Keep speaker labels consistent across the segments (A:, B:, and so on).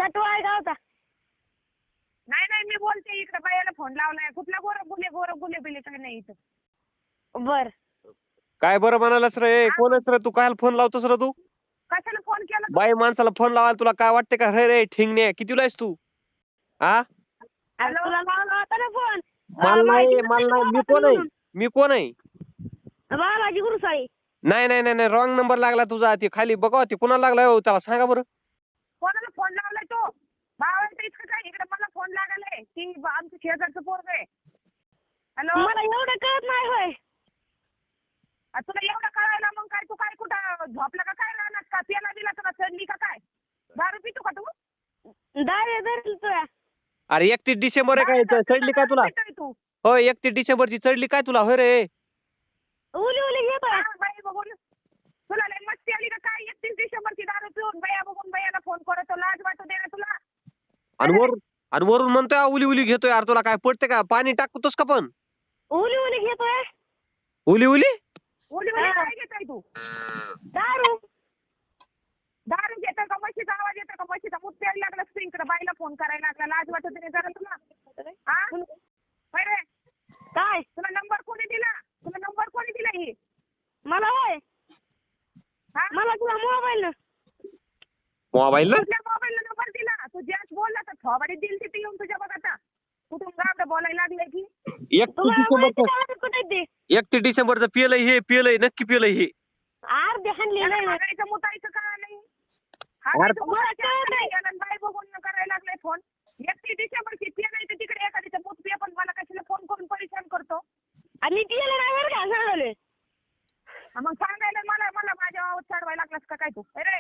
A: सटवा आहे गावचा.
B: नाही नाही मी बोलते इकडे बायाला फोन लावलाय. कुठला गोरं गुले बिले काय नाही इथं.
A: बर
C: काय बरं म्हणालास रे? कोणच रे तू? काय फोन लावतोस रे तू?
B: कशाला फोन केला तू?
C: बाई माणसाला फोन लावायला तुला काय वाटते का? रे ठिंगणे कितीला आहेस तू? हा
A: अरे तुला लावला होता ना फोन.
C: मला नाही मी कोण आहे?
A: म्हणून.
C: मी कोण आहे?
A: बालाजी गुरुसाई.
C: नाही नाही नाही रॉंग नंबर लागला तुझा. ते खाली बघा ते कुणाला लागलाय हो त्याला सांगा बरं.
B: कोणाला फोन लावलाय तो? भावाला इतकं काय इकडे मला फोन लागलाय की आमचं शेजारचं पोरग आहे. हॅलो
A: मला एवढं कळत नाही होय.
B: तुला एवढं कळायला मग काय तू काय कुठं झोपला का काय राहणार का? पियाला दिला तुला चढली का काय? दारू पितो का तू?
A: दारे धरली तुला.
C: अरे 31 डिसेंबर आहे काय? चढली काय तुला?
B: तू
C: होय 31 डिसेंबरची चढली काय तुला? होय रे
A: उली उली घेतोय.
B: बाई बघून तुला लय मस्ती आली का काय? 31 डिसेंबरची दारू पिऊन बाया बघून बायाला फोन करतो. लाज वाटू दे ना तुला.
C: आणि वरून म्हणतोय उली उली घेतोय. अरे तुला काय पडते का? पाणी टाकतोस का पण?
A: उली उली घेतोय.
C: उली उली
B: उली उली काय घेतोय तू?
A: दारू.
B: दारू घेतोय का? म्हशीचा आवाज येतोय का? म्हशीचा मूत प्यायला लागला इकडे बाईला फोन करायला लागला. लाज वाटू दे जरा तुला. हा होय रे.
A: काय
B: तुला नंबर कोणी दिला? तुला नंबर कोणी दिला ही?
A: मला होय.
B: हा?
A: मला तुला मोबाईल.
C: मोबाईल
B: कुठल्या मोबाईलला नंबर दिला? तू ज्याच बोलला तर थोबाडीत दिली तिथे येऊन तुझ्या बघ आता. कुठून गावडं बोलायला लागले की?
C: 31 डिसेंबरचं पियलंय नक्की पियलंय हे.
A: अर्धे हाणलेलं आहे.
B: बघायचं मुतायचं का नाही? बाई बघून करायला लागलाय फोन. 31 डिसेंबरची पिय नाही तर तिकडे एखाद्याचं मूत पिय पण मला कशाला फोन करून परेशान करतो?
A: आणि पियलं नाही बरं का सांगले.
B: मग सांगायला मला मला माझ्या आवाज चढवायला लागलास का काय तू? अरे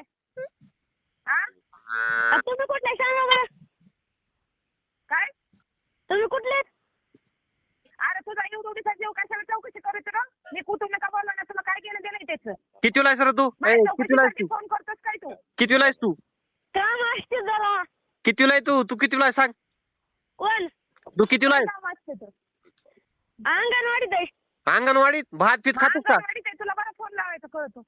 B: हा
A: तुम्ही कुठले सांगा बरं.
B: काय?
A: तुम्ही कुठले?
B: अरे तुझा एवढीचा जीव कशाला चौकशी करत ना? मी कुठून का बोलला ना? तुला काय केलं दिलंय त्याचं?
C: कितीला आहेस रे तू? कितीला आहेस तू?
B: फोन करतोस काय तू?
C: कितीला आहेस तू?
A: काम असते जरा.
C: कितीला आहे तू कितीला आहे सांग?
A: कोण?
C: तू कितीला आहे?
B: काम असते तर.
A: अंगणवाडीत आहे.
C: अंगणवाडीत भात पीत खातोस का?
B: अंगणवाडीत आहे, तुला बरं फोन लावायचं कळतो.